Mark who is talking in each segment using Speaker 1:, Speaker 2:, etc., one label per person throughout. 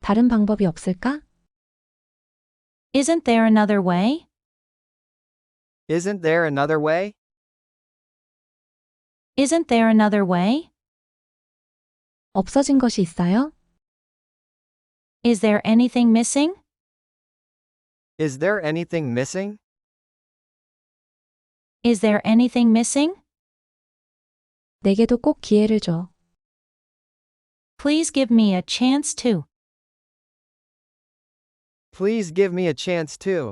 Speaker 1: 다른 방법이 없을까?
Speaker 2: Isn't there another way?
Speaker 3: Isn't there another way?
Speaker 2: Isn't there another way?
Speaker 1: 없어진 것이 있어요?
Speaker 2: Is there anything missing?
Speaker 3: Is there anything missing?
Speaker 2: Is there anything missing?
Speaker 1: 내게도 꼭 기회를 줘.
Speaker 2: Please give me a chance to.
Speaker 3: Please give me a chance too.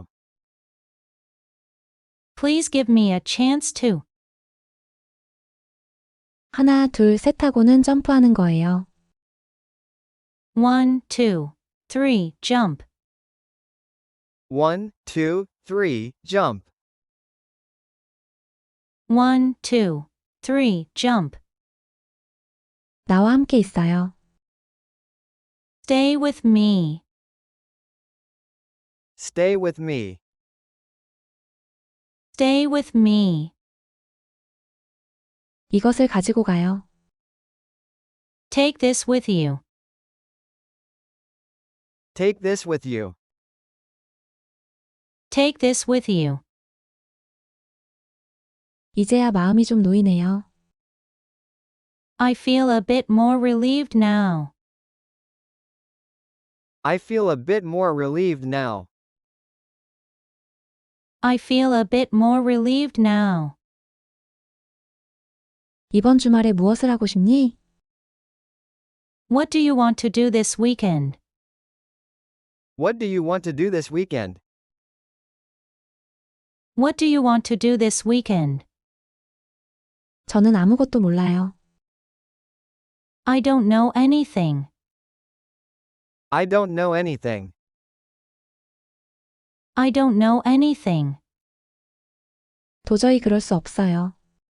Speaker 2: Please give me a chance to.
Speaker 1: 하나, 둘, 셋 하고는 점프하는 거예요.
Speaker 2: 1, 2, 3, jump.
Speaker 3: 1, 2, 3, jump.
Speaker 2: 1, 2, 3, jump.
Speaker 1: 나와 함께 있어요.
Speaker 2: Stay with me.
Speaker 3: Stay with me.
Speaker 2: Stay with me.
Speaker 1: 이것을 가지고 가요.
Speaker 2: Take this with you.
Speaker 3: Take this with you.
Speaker 2: Take this with you.
Speaker 1: 이제야 마음이 좀 놓이네요.
Speaker 2: I feel a bit more relieved now.
Speaker 3: I feel a bit more relieved now.
Speaker 2: I feel a bit more relieved now.
Speaker 1: 이번 주말에 무엇을 하고 싶니?
Speaker 2: What do you want to do this weekend?
Speaker 3: What do you want to do this weekend?
Speaker 2: What do you want to do this weekend?
Speaker 1: 저는 아무것도 몰라요.
Speaker 2: I don't know anything.
Speaker 3: I don't know anything.
Speaker 2: I don't know anything.
Speaker 1: 도저히 그럴 수 없어요.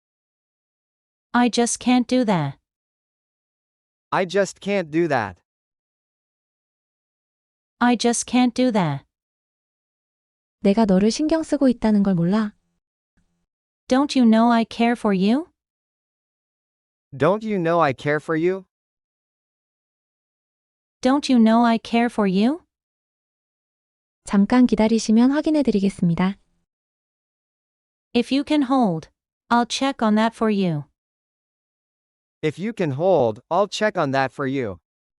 Speaker 2: I just can't do that.
Speaker 3: I just can't do that.
Speaker 2: I just can't do that.
Speaker 1: 내가 너를 신경 쓰고 있다는 걸 몰라?
Speaker 2: Don't you know I care for you?
Speaker 3: Don't you know I care for you?
Speaker 2: Don't you know I care for you?
Speaker 1: 잠깐 기다리시면 확인해 드리겠습니다.
Speaker 2: If you can hold, I'll check on that for you.
Speaker 3: If you can hold, I'll check on that for you.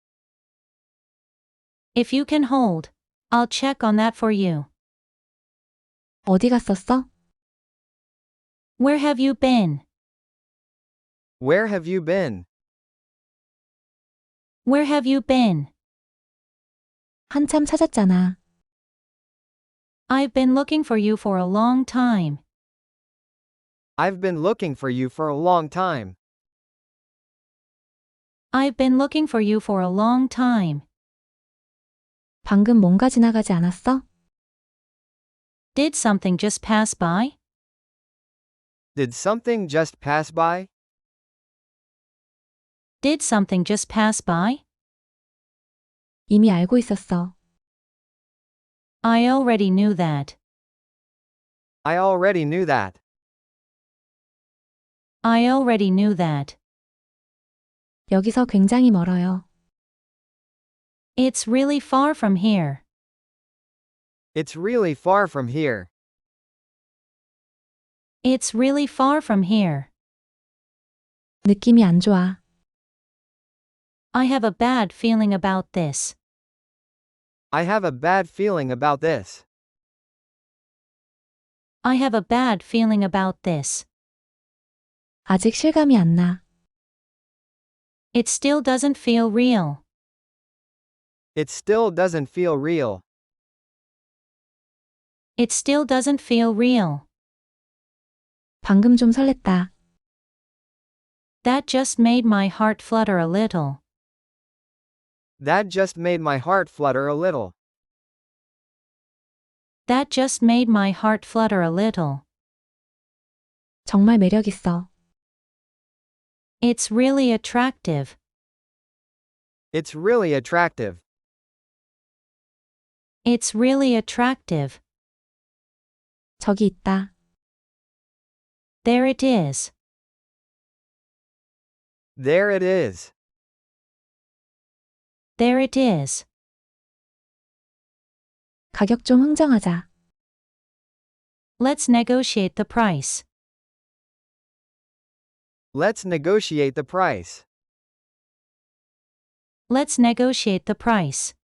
Speaker 2: If you can hold, I'll check on that for you.
Speaker 1: 어디 갔었어?
Speaker 2: Where have you been?
Speaker 3: Where have you been?
Speaker 2: Where have you been?
Speaker 1: 한참 찾았잖아.
Speaker 2: I've been looking for you for a long time.
Speaker 3: I've been looking for you for a long time.
Speaker 2: I've been looking for you for a long time.
Speaker 1: 방금 뭔가 지나가지 않았어?
Speaker 2: Did something just pass by?
Speaker 3: Did something just pass by?
Speaker 2: Did something just pass by?
Speaker 1: 이미 알고 있었어.
Speaker 2: I already knew that.
Speaker 3: I already knew that.
Speaker 2: I already knew that.
Speaker 1: 여기서 굉장히 멀어요.
Speaker 2: It's really far from here.
Speaker 3: It's really far from here.
Speaker 2: It's really far from here.
Speaker 1: 느낌이 안 좋아.
Speaker 2: I have a bad feeling about this.
Speaker 3: I have a bad feeling about this.
Speaker 2: I have a bad feeling about this.
Speaker 1: 아직 실감이 안 나.
Speaker 2: It still doesn't feel real.
Speaker 3: It still doesn't feel real.
Speaker 2: It still doesn't feel real.
Speaker 1: 방금 좀 설렜다.
Speaker 2: That just made my heart flutter a little.
Speaker 3: That just made my heart flutter a little.
Speaker 2: That just made my heart flutter a little.
Speaker 1: 정말 매력 있어.
Speaker 2: It's really attractive.
Speaker 3: It's really attractive.
Speaker 2: It's really attractive.
Speaker 1: 저기 있다.
Speaker 2: There it is.
Speaker 3: There it is.
Speaker 2: There it is.
Speaker 1: 가격 좀 흥정하자.
Speaker 2: Let's negotiate the price.
Speaker 3: Let's negotiate the price.
Speaker 2: Let's negotiate the price.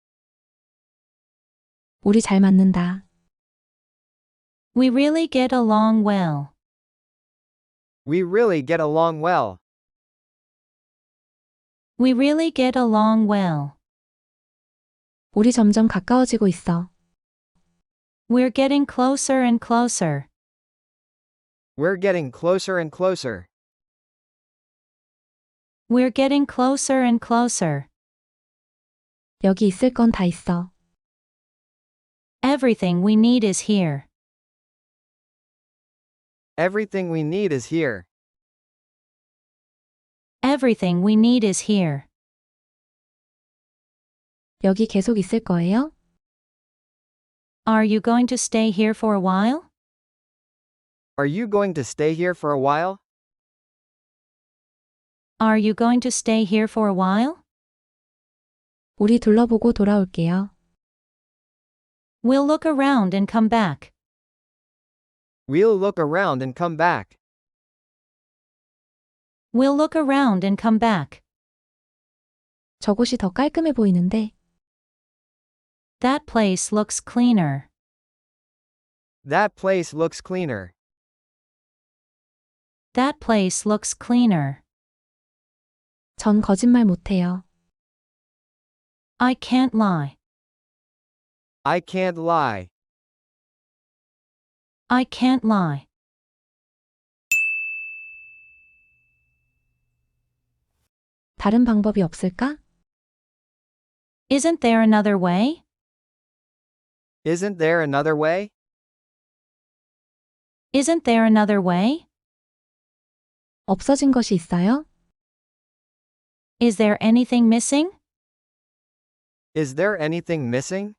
Speaker 1: 우리 잘 맞는다.
Speaker 2: We really get along well.
Speaker 3: We really get along well.
Speaker 2: We really get along well.
Speaker 1: 우리 점점 가까워지고 있어.
Speaker 2: We're getting closer and closer.
Speaker 3: We're getting closer and closer.
Speaker 2: We're getting closer and closer.
Speaker 1: 여기 있을 건 다 있어.
Speaker 2: Everything we need is here.
Speaker 3: Everything we need is here.
Speaker 2: Everything we need is here.
Speaker 1: 여기 계속 있을 거예요?
Speaker 2: Are you going to stay here for a while?
Speaker 3: Are you going to stay here for a while?
Speaker 2: Are you going to stay here for a while?
Speaker 1: 우리 둘러보고 돌아올게요.
Speaker 2: We'll look around and come back.
Speaker 3: We'll look around and come back.
Speaker 2: We'll look around and come back.
Speaker 1: 저곳이 더 깔끔해 보이는데.
Speaker 2: That place looks cleaner.
Speaker 3: That place looks cleaner.
Speaker 2: That place looks cleaner.
Speaker 1: 전 거짓말 못해요.
Speaker 2: I can't lie.
Speaker 3: I can't lie.
Speaker 2: I can't lie.
Speaker 1: 다른 방법이 없을까?
Speaker 2: Isn't there another way?
Speaker 3: Isn't there another way?
Speaker 2: Isn't there another way?
Speaker 1: 없어진 것이 있어요?
Speaker 2: Is there anything missing?
Speaker 3: Is there anything missing?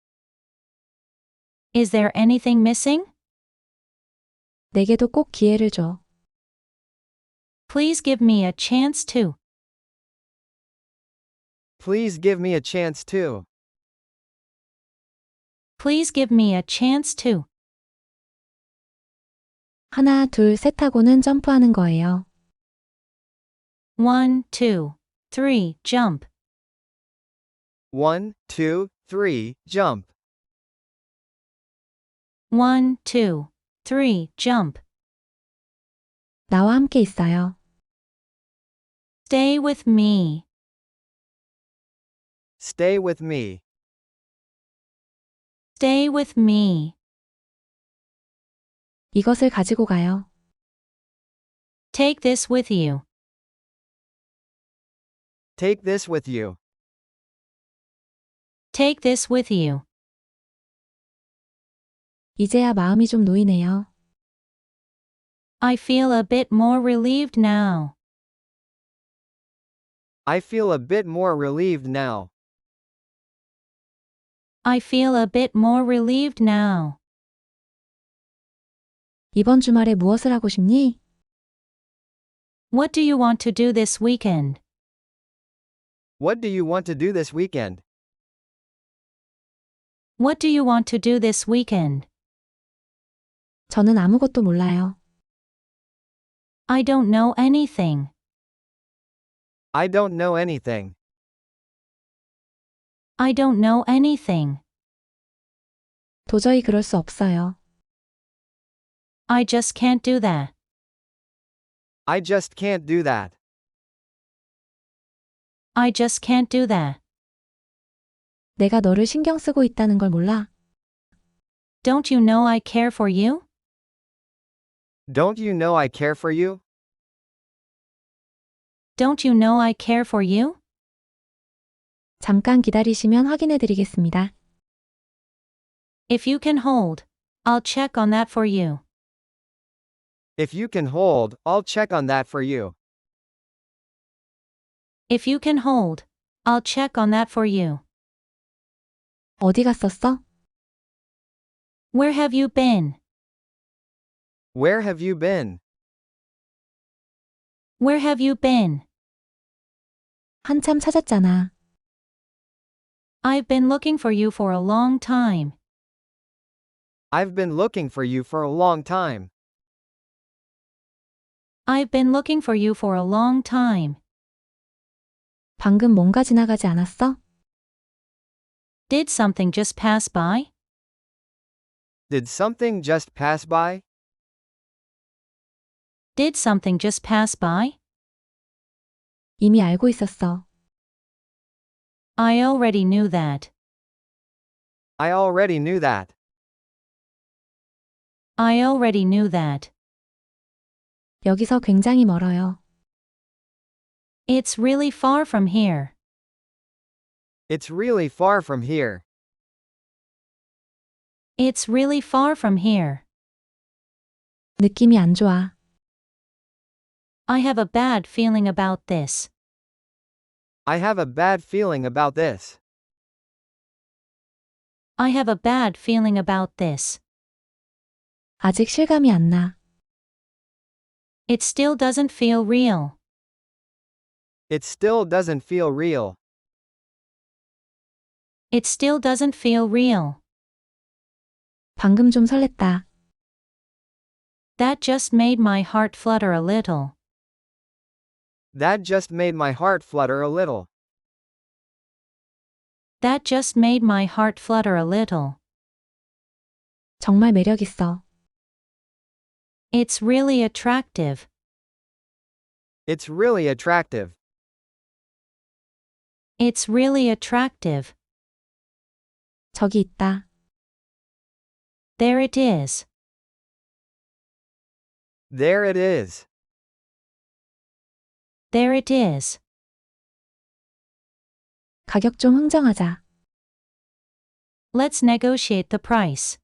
Speaker 2: Is there anything missing?
Speaker 1: 내게도 꼭 기회를 줘.
Speaker 2: Please give me a chance to.
Speaker 3: Please give me a chance too.
Speaker 2: Please give me a chance to.
Speaker 1: 하나, 둘, 셋 하고는 점프하는 거예요.
Speaker 2: 1, 2, 3, jump.
Speaker 3: 1, 2, 3, jump.
Speaker 2: 1, 2, 3, jump.
Speaker 1: 나와 함께 있어요.
Speaker 2: Stay with me.
Speaker 3: Stay with me.
Speaker 2: Stay with me.
Speaker 1: 이것을 가지고 가요.
Speaker 2: Take this with you.
Speaker 3: Take this with you.
Speaker 2: Take this with you.
Speaker 1: 이제야 마음이 좀 놓이네요.
Speaker 2: I feel a bit more relieved now.
Speaker 3: I feel a bit more relieved now.
Speaker 2: I feel a bit more relieved now.
Speaker 1: 이번 주말에 무엇을 하고 싶니?
Speaker 2: What do you want to do this weekend?
Speaker 3: What do you want to do this weekend?
Speaker 2: What do you want to do this weekend?
Speaker 1: 저는 아무것도 몰라요.
Speaker 2: I don't know anything.
Speaker 3: I don't know anything.
Speaker 2: I don't know anything.
Speaker 1: 도저히 그럴 수 없어요.
Speaker 2: I just can't do that.
Speaker 3: I just can't do that.
Speaker 2: I just can't do that.
Speaker 1: 내가 너를 신경 쓰고 있다는 걸 몰라?
Speaker 2: Don't you know I care for you?
Speaker 3: Don't you know I care for you?
Speaker 2: Don't you know I care for you?
Speaker 1: 잠깐 기다리시면 확인해 드리겠습니다.
Speaker 2: If you can hold, I'll check on that for you.
Speaker 3: If you can hold, I'll check on that for you.
Speaker 2: If you can hold, I'll check on that for you.
Speaker 1: 어디 갔었어?
Speaker 2: Where have you been?
Speaker 3: Where have you been?
Speaker 2: Where have you been?
Speaker 1: 한참 찾았잖아.
Speaker 2: I've been looking for you for a long time.
Speaker 3: I've been looking for you for a long time.
Speaker 2: I've been looking for you for a long time.
Speaker 1: 방금 뭔가 지나가지 않았어?
Speaker 2: Did something just pass by?
Speaker 3: Did something just pass by?
Speaker 2: Did something just pass by?
Speaker 1: 이미 알고 있었어.
Speaker 2: I already knew that.
Speaker 3: I already knew that.
Speaker 2: I already knew that.
Speaker 1: 여기서 굉장히 멀어요.
Speaker 2: It's really far from here.
Speaker 3: It's really far from here.
Speaker 2: It's really far from here.
Speaker 1: 느낌이 안 좋아.
Speaker 2: I have a bad feeling about this.
Speaker 3: I have a bad feeling about this.
Speaker 2: I have a bad feeling about this.
Speaker 1: 아직 실감이 안 나.
Speaker 2: It still doesn't feel real.
Speaker 3: It still doesn't feel real.
Speaker 2: It still doesn't feel real.
Speaker 1: 방금 좀 설렜다.
Speaker 2: That just made my heart flutter a little.
Speaker 3: That just made my heart flutter a little.
Speaker 2: That just made my heart flutter a little.
Speaker 1: 정말 매력 있어.
Speaker 2: It's really attractive.
Speaker 3: It's really attractive.
Speaker 2: It's really attractive.
Speaker 1: 저기 있다.
Speaker 2: There it is.
Speaker 3: There it is.
Speaker 2: There it is.
Speaker 1: 가격 좀 흥정하자.
Speaker 2: Let's negotiate the price.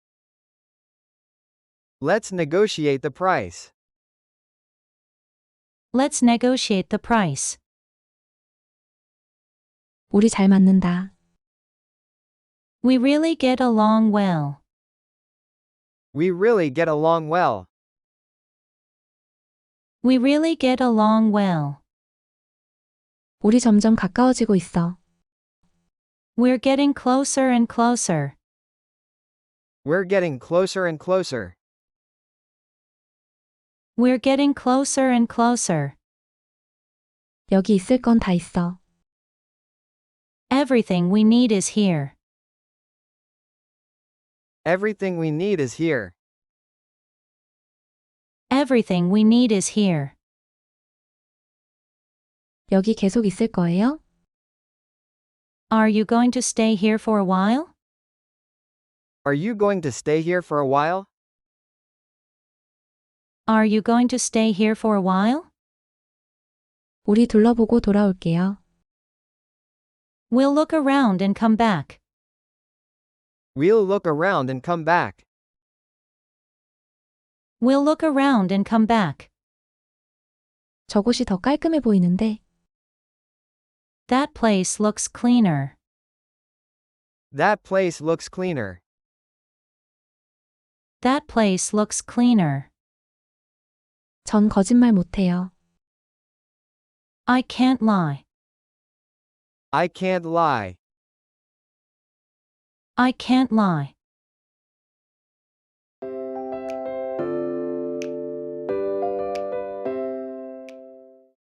Speaker 3: Let's negotiate the price.
Speaker 2: Let's negotiate the price.
Speaker 1: 우리 잘 맞는다.
Speaker 2: We really get along well.
Speaker 3: We really get along well.
Speaker 2: We really get along well.
Speaker 1: 우리 점점 가까워지고 있어.
Speaker 2: We're getting closer and closer.
Speaker 3: We're getting closer and closer.
Speaker 2: We're getting closer and closer.
Speaker 1: 여기 있을 건 다 있어.
Speaker 2: Everything we need is here.
Speaker 3: Everything we need is here.
Speaker 2: Everything we need is here.
Speaker 1: 여기 계속 있을 거예요?
Speaker 2: Are you going to stay here for a while?
Speaker 3: Are you going to stay here for a while?
Speaker 2: Are you going to stay here for a while?
Speaker 1: 우리 둘러보고 돌아올게요.
Speaker 2: We'll look around and come back.
Speaker 3: We'll look around and come back.
Speaker 2: We'll look around and come back.
Speaker 1: 저곳이 더 깔끔해 보이는데.
Speaker 2: That place looks cleaner.
Speaker 3: That place looks cleaner.
Speaker 2: That place looks cleaner.
Speaker 1: 전 거짓말 못해요.
Speaker 2: I can't lie.
Speaker 3: I can't lie.
Speaker 2: I can't lie.